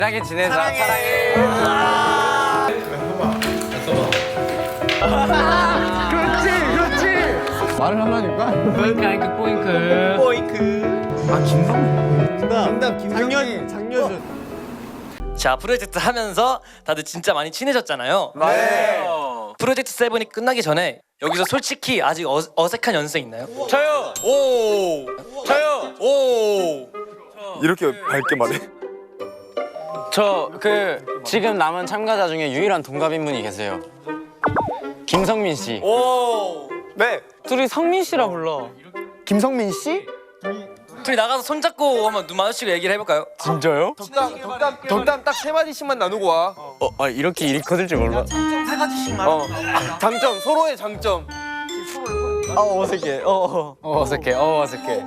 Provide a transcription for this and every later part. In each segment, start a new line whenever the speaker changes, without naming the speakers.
친하게 지내자. 사랑해.
그렇지. 말을 하라니까.
포잉크 포잉크.
아 김성민. 정답 김성민. 장려준.
자, 프로젝트 하면서 다들 진짜 많이 친해졌잖아요.
네.
프로젝트 7이 끝나기 전에 여기서 솔직히 아직 어색한 연습생 있나요?
저요.
오.
저요.
오.
이렇게 밝게 말해.
저 지금 남은 참가자 중에 유일한 동갑인 분이 계세요. 김성민 씨.
오.
네.
둘이 성민 씨라 불러.
김성민 씨?
둘이 나가서 손잡고 한번 눈 마주치고 얘기를 해볼까요?
진짜요?
덕담 딱 세 마디씩만 나누고 와.
이렇게 일이 커질 줄 몰라.
장점 서로의 장점.
어색해. 어색해. 어색해.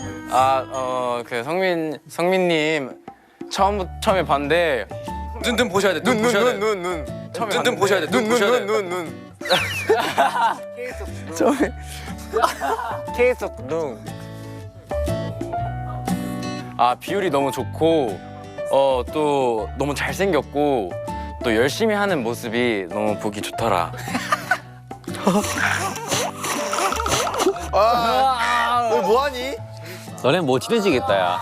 성민님 처음에 봤는데
눈 보셔야 돼. 눈 보셔야 돼.
눈.
눈 보셔야 돼. 눈 보셔야 돼.
눈.
처음에 계속 눈. 비율이 너무 좋고 또 너무 잘생겼고 또 열심히 하는 모습이 너무 보기 좋더라.
너 뭐하니?
너네 뭐 친해지겠다 야.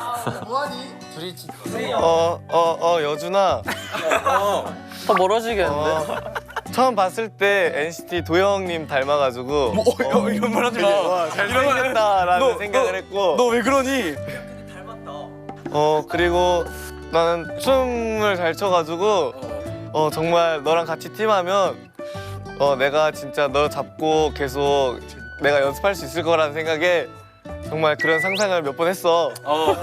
여준아.
더 멀어지겠는데?
처음 봤을 때 NCT 도영님 닮아가지고
이런 말 하지 마.
잘생겼다라는 생각을 했고.
너 왜 그러니?
그리고 나는 춤을 잘 춰가지고 정말 너랑 같이 팀하면 내가 진짜 너 잡고 계속 내가 연습할 수 있을 거라는 생각에 정말 그런 상상을 몇 번 했어.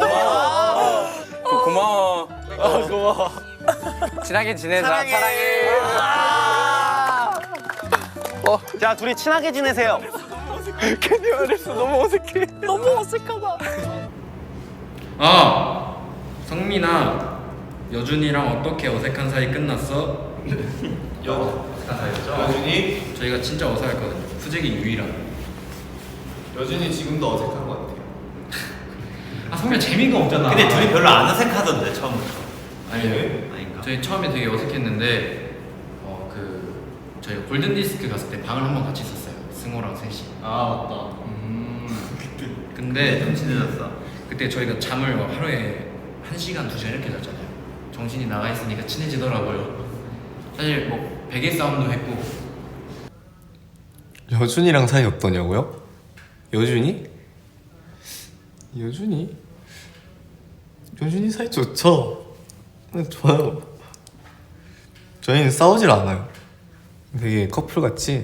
고마워.
고마워.
친하게 지내자. 사랑해.
자, 둘이 친하게 지내세요. 괜히 말했어. 너무 어색해. 너무 어색하다.
성민아, 여준이랑 어떻게 어색한 사이 끝났어?
어색한 사이였죠? 여준이?
저희가 진짜 어색했거든요. 후재기 유일한.
여준이 지금도 어색한 것 같아요.
성민아 재미가 없잖아.
근데 둘이 별로 안 어색하던데 처음부터.
아니요.
아닌가?
저희 처음에 되게 어색했는데 저희 골든 디스크 갔을 때 방을 한번 같이 썼어요. 승호랑 셋이.
아 맞다.
근데
좀 친해졌어.
그때 저희가 잠을 하루에 1시간, 2시간 이렇게 잤잖아요. 정신이 나가 있으니까 친해지더라고요. 사실 뭐 베개 싸움도 했고.
여준이랑 사이 어떠냐고요? 여준이 사이 좋죠? 좋아요. 저희는 싸우질 않아요. 되게 커플같이.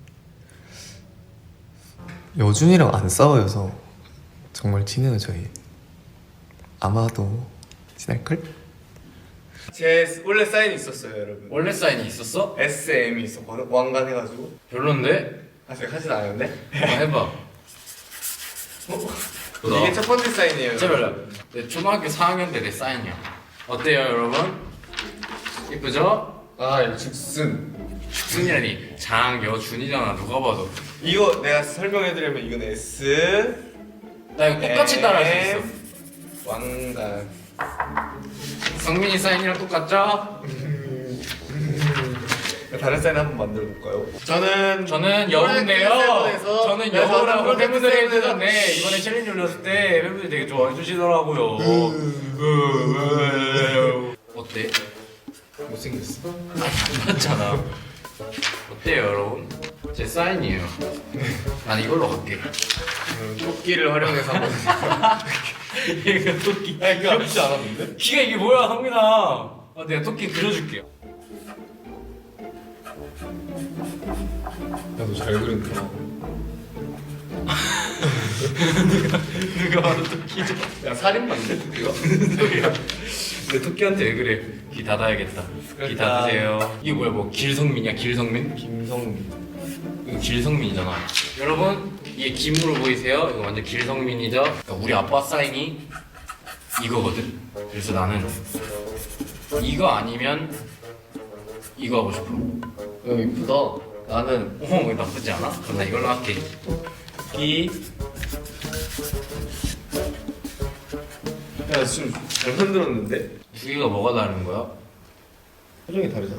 여준이랑 안 싸워서 정말 친해요 저희. 아마도 친할걸?
제 원래 사인이 있었어요, 여러분.
원래 사인이 있었어?
SM이 있었거든. 왕관 해가지고.
별론데?
아직 하진 않았는데.
해봐.
이게 첫 번째 사인이에요.
진짜 별로. 내 초등학교 4학년 때 내 사인이야. 어때요, 여러분? 이쁘죠?
이거 즉슨.
준이라니 장여준이잖아. 누가 봐도.
이거 내가 설명해드리면 이건 S.
나 이거 똑같이 따라할 수 있어.
왕관.
성민이 사인이랑 똑같죠?
다른 사인 한번 만들어 볼까요? 저는
여우인데요.
세븐에서
저는 여우라고 팬분들이 해주셨네. 이번에 챌린지 올렸을 때 팬분들이 되게 좋아해 주시더라고요. 어때?
못생겼어.
맞잖아. 어때요, 여러분? 제 사인이에요. 난 이걸로 갈게.
토끼를 활용해서 한번.
얘가 토끼.
귀엽지 않았는데?
키가 이게 뭐야, 성민아? 내가 토끼 그려줄게요.
야, 너 잘 그린다.
누가 봐도 토끼죠?
야, 살인마인데 토끼가?
소리야. 근데 토끼한테 왜 그래? 귀 닫아야겠다. 귀 닫으세요. 이게 뭐야, 뭐 길성민이야, 길성민?
김성민.
이거 길성민이잖아. 여러분, 이게 김으로 보이세요? 이거 완전 길성민이죠? 그러니까 우리 아빠 사인이 이거거든. 그래서 나는 이거 아니면 이거 하고 싶어.
야, 이쁘다.
나는 이거 나쁘지 않아? 그럼 나 이걸로 할게. 이
야, 지금 잘 만들었는데?
두 개가 뭐가 다른 거야?
표정이 다르잖아.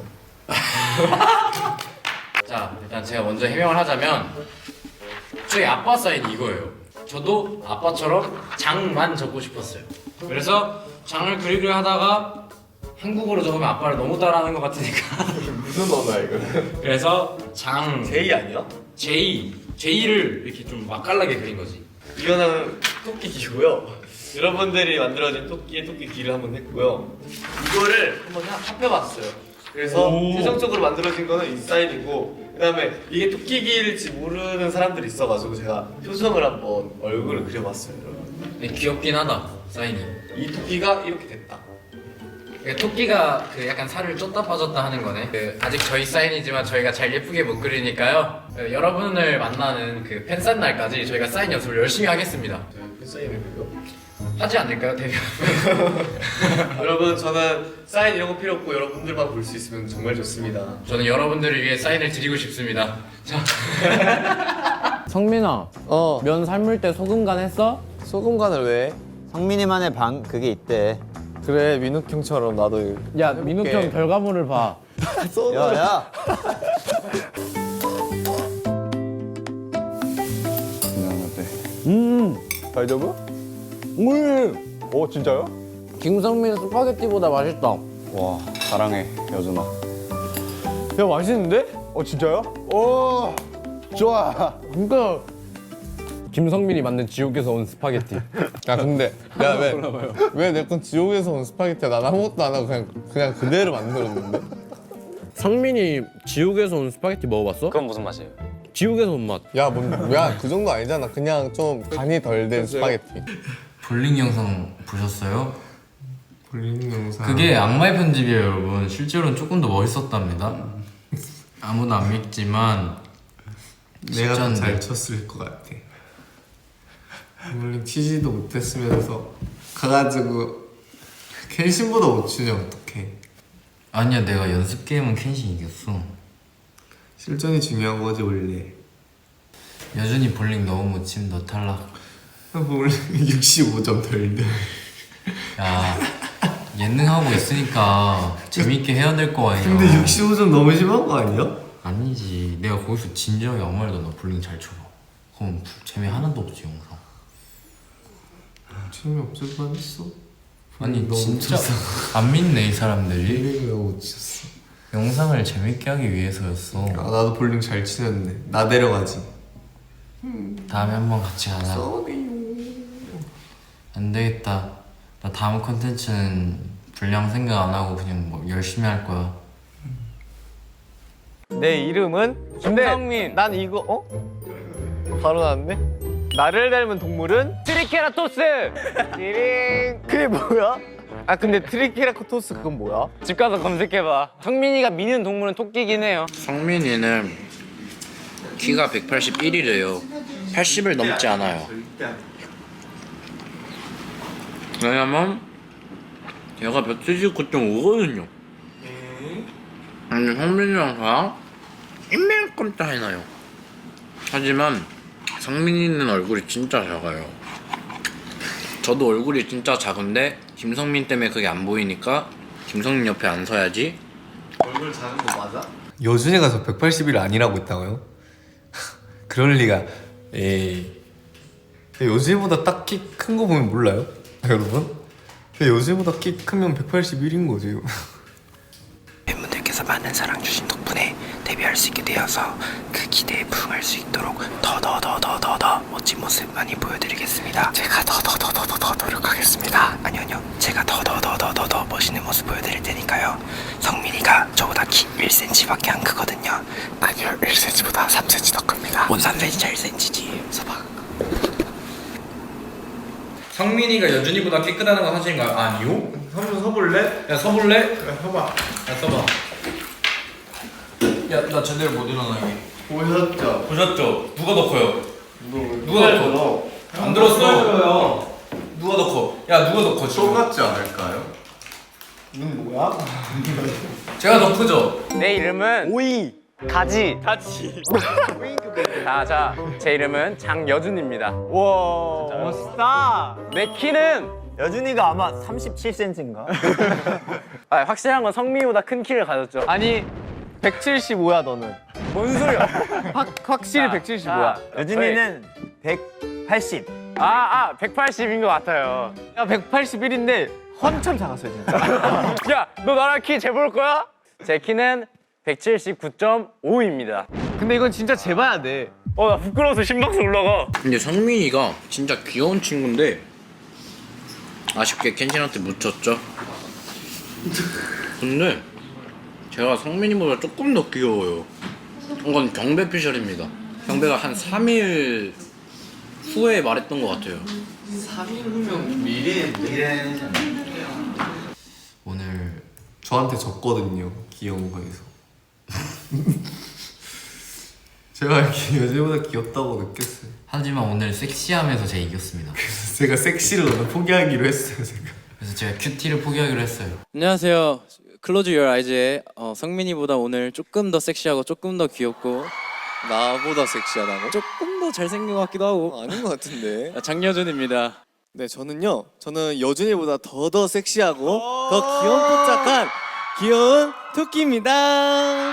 자, 일단 제가 먼저 해명을 하자면 저희 아빠 사인이 이거예요. 저도 아빠처럼 장만 적고 싶었어요. 그래서 장을 그리려 하다가 한국어로 적으면 아빠를 너무 따라하는 것 같으니까
무슨 언어야 이거?
그래서 장
제이 아니야?
J를 이렇게 좀 맛깔나게 그린 거지.
이거는 토끼 기고요. 여러분들이 만들어진 토끼의 토끼 귀를 한번 했고요. 이거를 한번 합해봤어요. 그래서 최종적으로 만들어진 거는 이 사인이고, 그다음에 이게 토끼 귀일지 모르는 사람들이 있어가지고 제가 표정을 한번 얼굴을 그려봤어요, 여러분.
근데 귀엽긴 하다 사인이.
이 토끼가 이렇게 됐다.
그러니까 토끼가 그 약간 살을 쪘다 빠졌다 하는 거네. 그 아직 저희 사인이지만 저희가 잘 예쁘게 못 그리니까요. 여러분을 만나는 그 팬사인 날까지 저희가 사인 연습을 열심히 하겠습니다.
사인을 그려.
하지 않을까요, 데뷔?
여러분, 저는 사인 이런 거 필요 없고 여러분들만 볼 수 있으면 정말 좋습니다.
저는 여러분들을 위해 사인을 드리고 싶습니다. 자,
성민아, 면 삶을 때 소금 간 했어?
소금 간을 왜 해?
성민이만의 방 그게 있대.
그래, 민욱 형처럼 나도.
야, 민욱 형 결과물을 봐.
야야.
다이저브? 진짜요?
김성민 스파게티보다 맛있다.
와 사랑해 여준아.
야, 맛있는데? 진짜요? 오, 좋아.
그러니까 김성민이 만든 지옥에서 온 스파게티.
야 근데 왜 내 건 지옥에서 온 스파게티야? 난 아무것도 안 하고 그냥 그대로 만들었는데.
성민이 지옥에서 온 스파게티 먹어봤어?
그건 무슨 맛이에요?
지옥에서 온 맛.
야그 정도 아니잖아. 그냥 좀 간이 덜 된 스파게티.
볼링 영상 보셨어요?
볼링 영상.
그게 악마의 편집이에요, 여러분. 실제로는 조금 더 멋있었답니다. 아무도 안 믿지만
내가 더
진짜인데.
잘 쳤을 것 같아. 볼링 치지도 못했으면서 가가지고 켄신보다 못 치냐 어떡해.
아니야, 내가 연습 게임은 켄신 이겼어.
실전이 중요한 거지 원래.
여준이 볼링 너무 못 치면 너 탈락.
볼링 65점 덜 돼.
야, 예능하고 있으니까 재밌게 해야 될 거 아니야.
근데 65점 너무 심한 거 아니야?
아니지, 내가 거기서 진지하게 아무 말도 너 볼링 잘 쳐봐. 그럼 재미 하나도 없지 영상.
재미없을 뻔했어.
아니
너무
진짜
쳤어.
안 믿네 이 사람들이.
볼링을 못 쳤어.
영상을 재밌게 하기 위해서였어.
아 나도 볼링 잘 치는데 나 데려가지.
다음에 한번 같이 가자.
쏘리요.
안 되겠다. 나 다음 컨텐츠는 분량 생각 안 하고 그냥 뭐 열심히 할 거야.
내 이름은
김성민.
난 이거 바로 나왔네. 나를 닮은 동물은
트리케라토스.
띠링. 그게 뭐야? 근데 트리케라토스 그건 뭐야?
집 가서 검색해봐. 성민이가 미는 동물은 토끼긴 해요.
성민이는 키가 181이래요. 80을 넘지 않아요. 왜냐면 얘가 179.5거든요. 아니 성민이랑 저랑 이만큼 차이 나요. 하지만 성민이는 얼굴이 진짜 작아요. 저도 얼굴이 진짜 작은데 김성민 때문에 그게 안 보이니까 김성민 옆에 안 서야지.
얼굴 작은 거 맞아?
여준이가 저 181 아니라고 했다고요? 그럴 리가. 에이. 여준이보다 딱 키 큰 거 보면 몰라요? 여러분? 여준이보다 키 크면 181인 거지.
팬분들께서 많은 사랑 주신 덕분에 데뷔할 수 있게 되어서 그 기대에 부응할 수 있도록 더 멋진 모습 많이 보여드리겠습니다. 제가 더 노력하겠습니다. 아니요 제가 더 멋있는 모습 보여드릴 테니까요. 성민이가 저보다 키 1cm밖에 안 크거든요. 아니요 1cm보다 3cm 더 큽니다. 뭔 3cm 1cm지 서봐.
성민이가 여준이보다 키 크다는 건 사실인가요? 아니요.
한번 서볼래?
야 서볼래?
해봐.
야 써봐. 야 나 제대로 못 일어나 여기.
보셨죠?
보셨죠? 누가 더 커요? 누가 더 커? 안 들었어. 누가 더 커? 야 누가 더 커? 지금?
똑같지 않을까요?
눈 뭐야?
제가 더 크죠?
내 이름은
오이.
가지. 자, 제 이름은 장여준입니다.
와, 멋있다.
내 키는
여준이가 아마 37cm인가?
아, 확실한 건 성민이보다 큰 키를 가졌죠.
아니 175야 너는.
뭔 소리야?
확실히 175야.
여준이는 180.
180인 것 같아요.
야 181인데 한참 작았어요 진짜.
야, 너 나랑 키 재볼 거야? 제 키는 179.5입니다.
근데 이건 진짜 재봐야 돼.
나 부끄러워서 심박수 올라가.
근데 성민이가 진짜 귀여운 친구인데 아쉽게 켄신한테 묻혔죠. 근데 제가 성민이보다 조금 더 귀여워요. 이건 경배 피셜입니다. 경배가 한 3일 후에 말했던 것 같아요.
3일 후면 미래는 오늘 저한테 졌거든요. 귀여운 거에서. 제가 이렇게 여자보다 귀엽다고 느꼈어요.
하지만 오늘 섹시하면서 제가 이겼습니다.
그래서 제가 섹시를 오늘 포기하기로 했어요. 제가.
그래서 제가 큐티를 포기하기로 했어요.
안녕하세요. 클로즈 유어 아이즈의 성민이보다 오늘 조금 더 섹시하고 조금 더 귀엽고
나보다 섹시하다고?
조금 더 잘생긴 것 같기도 하고
아닌 것 같은데.
장여준입니다.
네, 저는 여준이보다 더 섹시하고 더 귀염뽀짝한 귀여운 토끼입니다.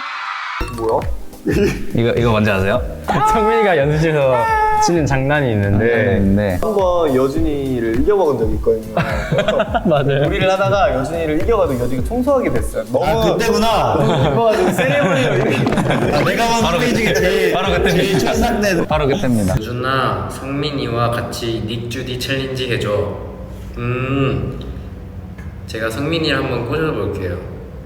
이거 뭔지 아세요? 성민이가 연습실에서 치는 장난이 있는데
한번 여준이를 이겨먹은 적이 있거든요.
맞아요.
놀이를 하다가 여준이를 이겨가지고 여준이가 청소하게 됐어요. 너무
그때구나.
이겨가지고 세레모니로 이렇게.
내가 바로 그때 제일 첫상대.
바로 그때입니다.
유준아, 성민이와 같이 닉 주디 챌린지 해줘. 제가 성민이를 한번 꽂아볼게요.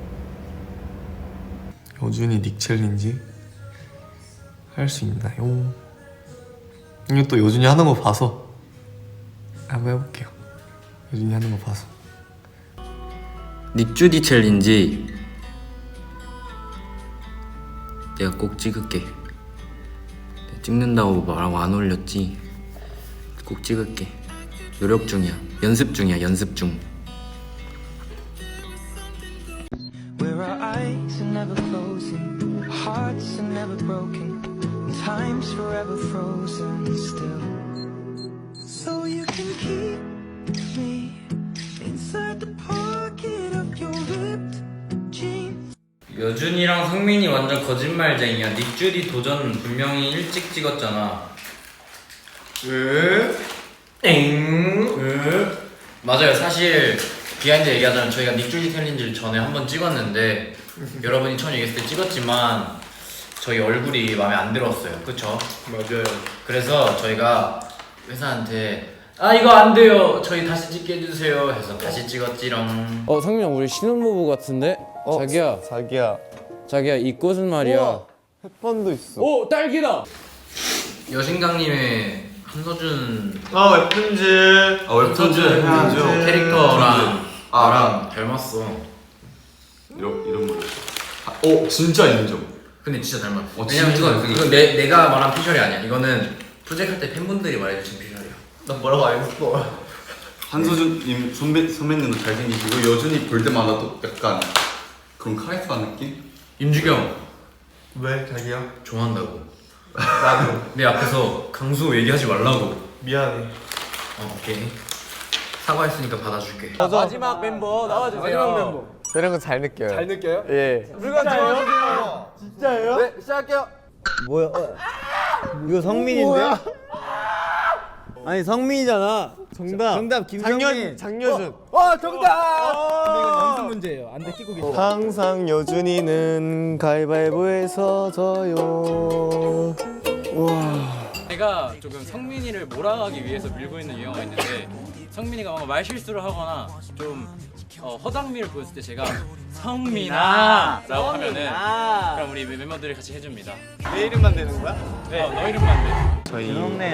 여준이 닉 챌린지 할 수 있나요? 이거 또 여준이 하는 거 봐서 한번 해볼게요. 여준이 하는 거 봐서.
닉주디 챌린지 내가 꼭 찍을게. 찍는다고 말하고 안 올렸지. 꼭 찍을게. 노력 중이야. 연습 중이야. 연습 중.
Where our eyes are never closing, hearts are never broken, and time's forever frozen still. So you can keep me inside the pocket of your ripped jeans.
여준이랑 성민이 완전 거짓말쟁이야. 닉주디 도전 분명히 일찍 찍었잖아. 맞아요. 사실 비하인드 얘기하자면 저희가 닉주디 챌린지를 전에 한번 찍었는데 여러분이 처음 얘기했을 때 찍었지만 저희 얼굴이 마음에 안 들었어요. 그쵸?
맞아요.
그래서 저희가 회사한테 이거 안 돼요. 저희 다시 찍게 해주세요. 해서 다시 찍었지롱.
성민이 형 우리 신혼부부 같은데? 자기야 이 꽃은 말이야.
햇반도 있어.
딸기다.
여신강님의 한서준
웹툰즈.
웹툰즈
캐릭터랑 나랑 닮았어.
이런 거. 진짜 인정.
근데 진짜 닮았어.
진짜
왜냐면 이건 내가 말한 피셜이 아니야. 이거는 프로젝트 할 때 팬분들이 말해주신 피셜이야.
나 뭐라고 안 했어.
한소준님 선배님도 잘생기시고 여준이 볼 때마다 또 약간 그런 카리스마 느낌?
임주경
왜 자기야?
좋아한다고.
나도.
내 앞에서 강수 얘기하지 말라고.
미안해.
오케이. 사과했으니까 받아줄게.
마지막 멤버 나와주세요. 마지막 멤버.
이런 거 잘 느껴요.
잘 느껴요?
예.
물건 좋아하세요. 진짜예요? 네 시작할게요.
뭐야? 이거 성민인데? 아니 성민이잖아. 정답 김성민.
장여준.
정답. 근데 이건 연습 문제예요. 안돼 끼고 계세요.
항상 여준이는 가위바위보에서 져요.
제가 조금 성민이를 몰아가기 위해서 밀고 있는 유형가 있는데 성민이가 뭔가 말 실수를 하거나 좀 허당미를 보였을 때 제가 성민아 라고 하면은 그럼 우리 멤버들이 같이 해줍니다.
내 이름만 되는 거야?
네, 너 이름만 돼.
저희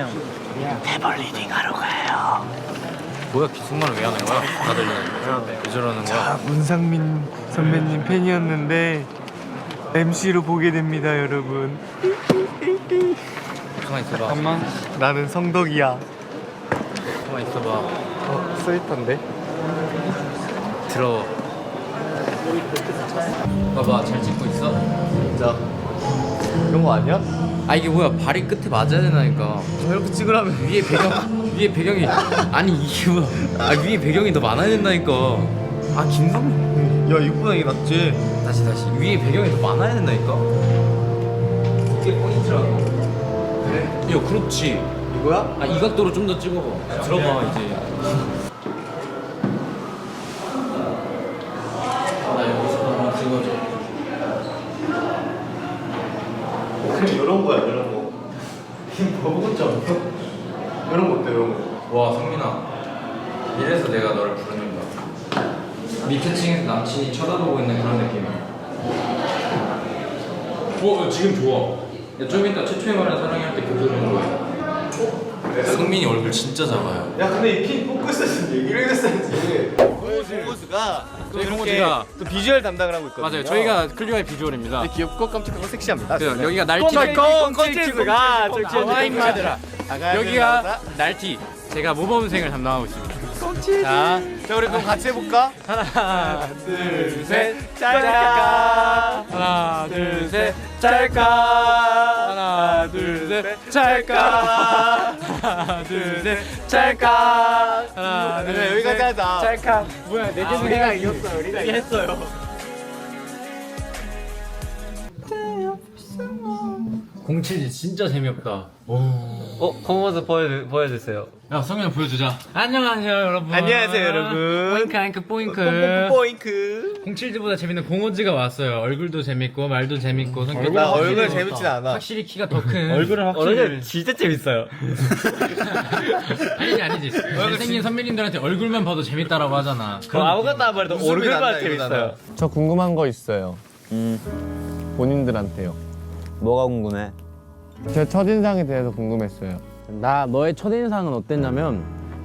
뭐야, 기승말을 왜 하는 거야? 다들 왜 저러는 거야?
문상민 선배님 팬이었는데 MC로 보게 됩니다, 여러분.
가만 있어봐.
잠깐만. 나는 성덕이야.
가만 있어봐.
스윗한데?
들어. 봐봐, 잘 찍고 있어?
진짜. 이런 거 아니야?
아 이게 뭐야 발이 끝에 맞아야 되나니까.
이렇게 찍으라면
위에 배경이 아니 이게 뭐야? 아 위에 배경이 더 많아야 된다니까. 아 김성민.
야 이거보다 이게 낫지.
다시 위에 배경이 더 많아야 된다니까. 이게 포인트라고. 그래? 야 그렇지.
이거야?
아 이 각도로 좀 더 찍어봐. 들어봐 이제. 나 여기서 한번 찍어줘.
이런 거야 이런 거.
뭐부터
이런 거 어때 이런 거?
와 성민아 이래서 내가 너를 부르는 거야. 밑에 층에서 남친이 쳐다보고 있는 그런 느낌이야. 지금 좋아. 야, 좀 이따 최초의 말은 사랑할 때 교도는 거야. 성민이 얼굴 진짜 작아요.
야 근데 이 핀 뽑고 있었는데 얘기를 했었지. 공호수가
저희 공호지가
또 비주얼 담당을 하고 있거든요.
맞아요. 저희가 클리오의 비주얼입니다.
귀엽고 깜찍하고 섹시합니다.
그래서 여기가 날티.
콘치즈가
와인마드라. 여기가 날티. 제가 모범생을 담당하고 있습니다.
자 우리 그럼 같이 해볼까?
하나, 둘, 셋, 짤까. 하나, 둘, 셋, 짤까. 하나, 둘, 셋, 짤까. 하나, 둘, 셋, 짤까. 하나, 둘, 셋,
여기까지 하자.
짤까. 뭐야, 네 개 중에
우리가 이겼어요. 우리가
했어요. 공칠지 진짜 재미없다.
공호수 보여주세요.
야, 성현 보여주자. 안녕하세요, 여러분.
안녕하세요, 여러분.
포잉크, 앙크, 포잉크.
포잉크.
공칠지보다 재밌는 공호지가 왔어요. 얼굴도 재밌고 말도 재밌고 성격도
나
확실히
얼굴
재밌다.
재밌진 않아.
확실히 키가 더 큰. 얼굴은 확실히
진짜 재밌어요.
아니지. 잘생긴 선배님들한테 얼굴만 봐도 재밌다라고 하잖아.
아무것도 안 말해도 얼굴만 재밌어요.
저 궁금한 거 있어요. 본인들한테요.
뭐가 궁금해?
제 첫인상에 대해서 궁금했어요.
나 너의 첫인상은 어땠냐면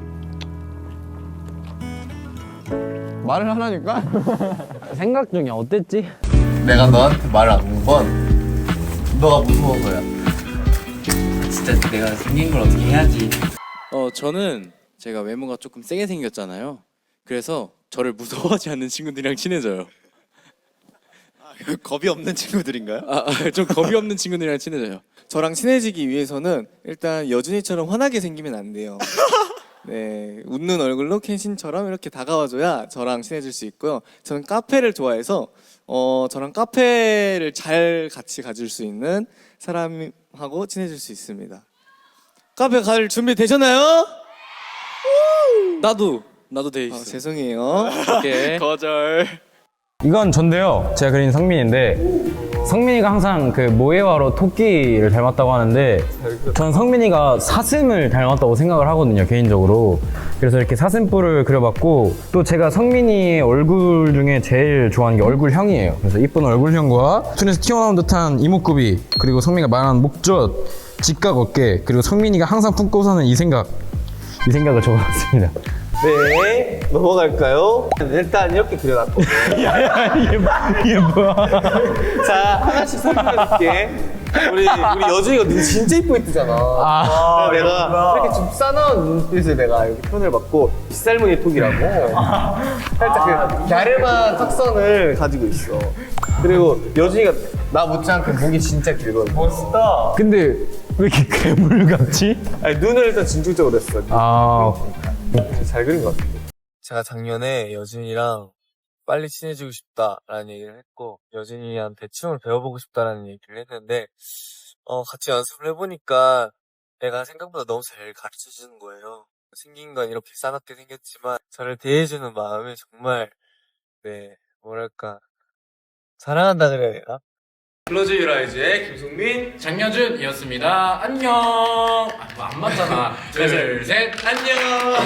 말을 하라니까?
생각 중이야. 어땠지?
내가 너한테 말을 안 한 건 너가 무서워서야. 진짜 내가 생긴 걸 어떻게 해야지.
저는 제가 외모가 조금 세게 생겼잖아요. 그래서 저를 무서워하지 않는 친구들이랑 친해져요.
겁이 없는 친구들인가요?
좀 겁이 없는 친구들이랑 친해져요.
저랑 친해지기 위해서는 일단 여준이처럼 환하게 생기면 안 돼요. 네, 웃는 얼굴로 켄신처럼 이렇게 다가와줘야 저랑 친해질 수 있고요. 저는 카페를 좋아해서 저랑 카페를 잘 같이 가질 수 있는 사람하고 친해질 수 있습니다. 카페 갈 준비 되셨나요?
나도 돼 있어.
죄송해요.
오케이.
거절.
이건 전데요. 제가 그린 성민인데 성민이가 항상 그 모에와로 토끼를 닮았다고 하는데 전 성민이가 사슴을 닮았다고 생각을 하거든요, 개인적으로. 그래서 이렇게 사슴뿔을 그려봤고, 또 제가 성민이의 얼굴 중에 제일 좋아하는 게 얼굴형이에요. 그래서 이쁜 얼굴형과 눈에서 튀어나온 듯한 이목구비, 그리고 성민이가 말하는 목젖, 직각 어깨, 그리고 성민이가 항상 품고 사는 이 생각을 적어봤습니다.
네, 넘어갈까요? 일단 이렇게 그려놨거든요.
이게 뭐야?
자, 하나씩 설명해줄게. 우리 여준이가 눈 진짜 이쁘게 뜨잖아. 내가 이렇게 좀 싸나운 눈빛을 내가 이렇게 표현해봤고, 빗살무늬 톡이라고 살짝 그 갸름한 턱선을 가지고 있어. 그리고 여준이가 나 못지않게 목이 진짜 길거든. 멋있다.
근데 왜 이렇게 괴물 같지?
아니, 눈을 일단 진중적으로 했어. 잘 그린 것 같아. 제가 작년에 여준이랑 빨리 친해지고 싶다라는 얘기를 했고, 여준이한테 춤을 배워보고 싶다라는 얘기를 했는데, 같이 연습을 해보니까 애가 생각보다 너무 잘 가르쳐주는 거예요. 생긴 건 이렇게 싸납게 생겼지만 저를 대해주는 마음이 정말, 네, 뭐랄까, 사랑한다 그래야 되나? 클로즈 유라이즈의 김송민,
장여준이었습니다. 안녕. 안 맞잖아. 둘, 셋, 안녕.